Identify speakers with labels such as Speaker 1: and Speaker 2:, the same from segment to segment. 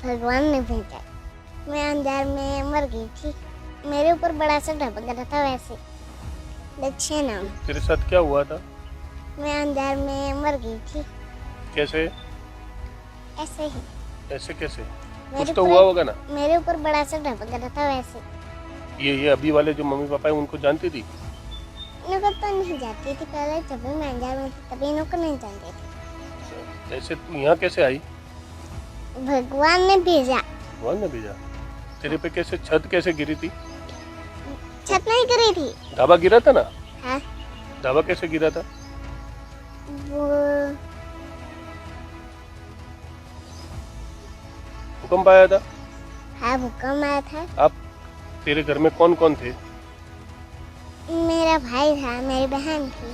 Speaker 1: भगवान ने भेजा। मैं अंधार में मर गई थी, मेरे ऊपर बड़ा सा ढपक रहा था वैसे। लक्ष्य नाम।
Speaker 2: तेरे साथ क्या हुआ था?
Speaker 1: मैं अंधार में मर गई थी।
Speaker 2: कैसे?
Speaker 1: ऐसे ही।
Speaker 2: ऐसे कैसे?
Speaker 1: मेरे
Speaker 2: कुछ तो
Speaker 1: ऊपर
Speaker 2: हुआ होगा ना।
Speaker 1: मेरे ऊपर बड़ा सा ढपक रहा था वैसे।
Speaker 2: ये अभी वाले जो मम्मी पापा है उनको जानती थी?
Speaker 1: इनको तो नहीं जाती थी पहले, जब भी मैं अंजार में थी तभी इनको नहीं जानती थी।
Speaker 2: ऐसे तू यहाँ कैसे आई?
Speaker 1: भगवान ने भेजा।
Speaker 2: भगवान ने भेजा। तेरे पे कैसे छत कैसे गिरी थी?
Speaker 1: छत नहीं गिरी थी।
Speaker 2: ढाबा गिरा था ना?
Speaker 1: हाँ,
Speaker 2: ढाबा कैसे गिरा था?
Speaker 1: वो
Speaker 2: भूकंप आया था?
Speaker 1: हाँ भूकंप आया था।
Speaker 2: आप तेरे घर में कौन कौन थे?
Speaker 1: मेरा भाई था, मेरी बहन थी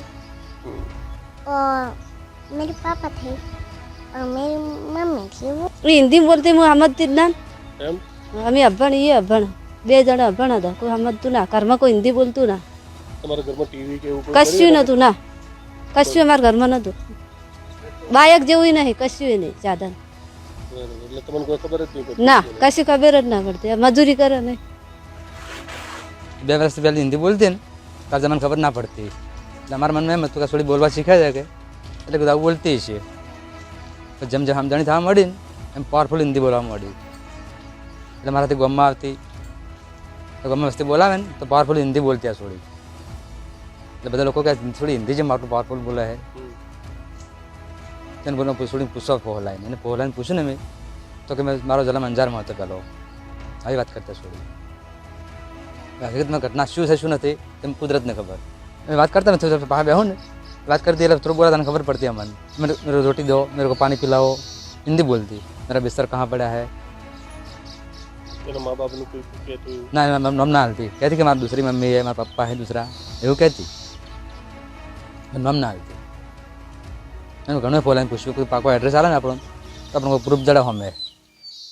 Speaker 1: और मेरे पापा थे और मेरी मम्मी थी। वो
Speaker 3: हिंदी बोलते मोहम्मद तिन्नान
Speaker 2: એમ?
Speaker 3: અમે અભણ એ અભણ બે જણા અભણ હતા કોઈ સમજતું ના ઘરમાં કોઈ હિન્દી બોલતું ના
Speaker 2: તમારા ઘરમાં ટીવી કે એવું કોઈ
Speaker 3: કશું નહોતું ના કશું અમારા ઘરમાં નહોતું બાયક જેવું નહીં કશું નહીં સાધન
Speaker 2: એટલે તમને કોઈ ખબર જ નહીં પડતી?
Speaker 3: ના કશી ખબર જ ના પડતી મજૂરી કરે ને
Speaker 4: 2 વર્ષ પહેલાં હિન્દી બોલતી ને ત્યારે મને ખબર ના પડતી એટલે અમારા મનમાં એમ હતું કે થોડી બોલવા શીખાય છે કે એટલે બધા બોલતી છે જેમ જેમ સમજણી થવા મળી ને એમ પાવરફુલ હિન્દી બોલવા મળી એટલે મારાથી ગામમાં આવતી તો ગામમાં વસ્તી બોલાવે ને તો પાવરફુલ હિન્દી બોલતી આ થોડી એટલે બધા લોકો કહે થોડી હિન્દી જેમ આટલું પાવરફુલ બોલે છે તેને બોલો થોડી પૂછો પહોલાઈને એને પહોલાઈને પૂછ્યું ને મેં તો કે મેં મારો જન્મ અંજારમાં હતો પહેલો આવી વાત કરતા થોડી હકીકતમાં ઘટના શું છે શું નથી તેમ કુદરતને ખબર मैं बात करता मैं थोड़ा बाहर बैठूँ बात करती है थोड़ा बोला था खबर पड़ती है मन मेरे रोटी दो मेरे को पानी पिलाओ हिंदी बोलती मेरा बिस्तर कहाँ पड़ा है
Speaker 2: तेरे माँ बाप ने कोई कहते
Speaker 4: ना मम ना हालती कहती कि हमारी दूसरी मम्मी है हमारा पप्पा है दूसरा એવું कहती મમ ના હાલતી એનું ઘણું ફોલાઈને પૂછ્યું કોઈ પાકો એડ્રેસ આવે ને આપણો તો આપણને કોઈ પ્રૂફ જડે અમે